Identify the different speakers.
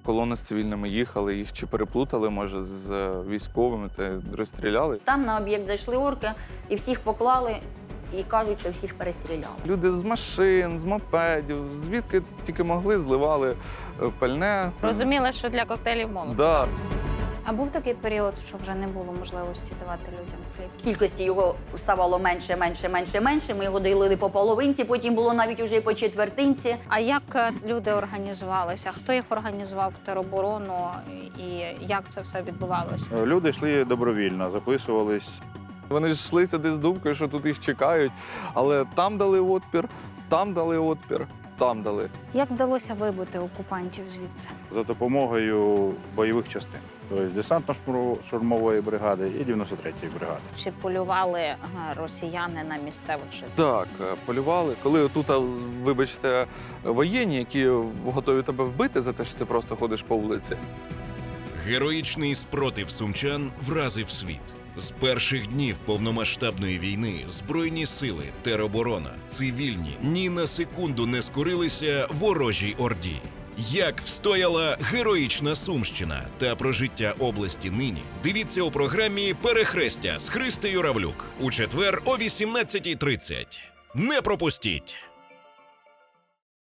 Speaker 1: колона з цивільними їхали, їх чи переплутали, може, з військовими та розстріляли.
Speaker 2: Там на об'єкт зайшли орки і всіх поклали, і кажуть, що всіх перестріляли.
Speaker 1: Люди з машин, з мопедів, звідки тільки могли, зливали пальне.
Speaker 3: Розуміли, що для коктейлів молотова.
Speaker 1: Да.
Speaker 3: А був такий період, що вже не було можливості давати людям хліб?
Speaker 2: Кількості його ставало менше. Ми його ділили по половинці, потім було навіть уже і по четвертинці.
Speaker 3: А як люди організувалися? Хто їх організував в тероборону і як це все відбувалося?
Speaker 4: Люди йшли добровільно, записувались.
Speaker 1: Вони ж йшли сюди з думкою, що тут їх чекають, але там дали отпір, там дали отпір, там дали.
Speaker 3: Як вдалося вибити окупантів звідси?
Speaker 4: За допомогою бойових частин. Тобто десантно-штурмової бригади і 93-ї бригади.
Speaker 3: Чи полювали росіяни на місцевих жителів?
Speaker 1: Так, полювали. Коли тут, вибачте, воєнні, які готові тебе вбити за те, що ти просто ходиш по вулиці.
Speaker 5: Героїчний спротив сумчан вразив світ. З перших днів повномасштабної війни Збройні сили, тероборона, цивільні ні на секунду не скорилися ворожій орді. Як встояла героїчна Сумщина та про життя області нині, дивіться у програмі «Перехрестя» з Христею Равлюк у четвер о 18:30. Не пропустіть!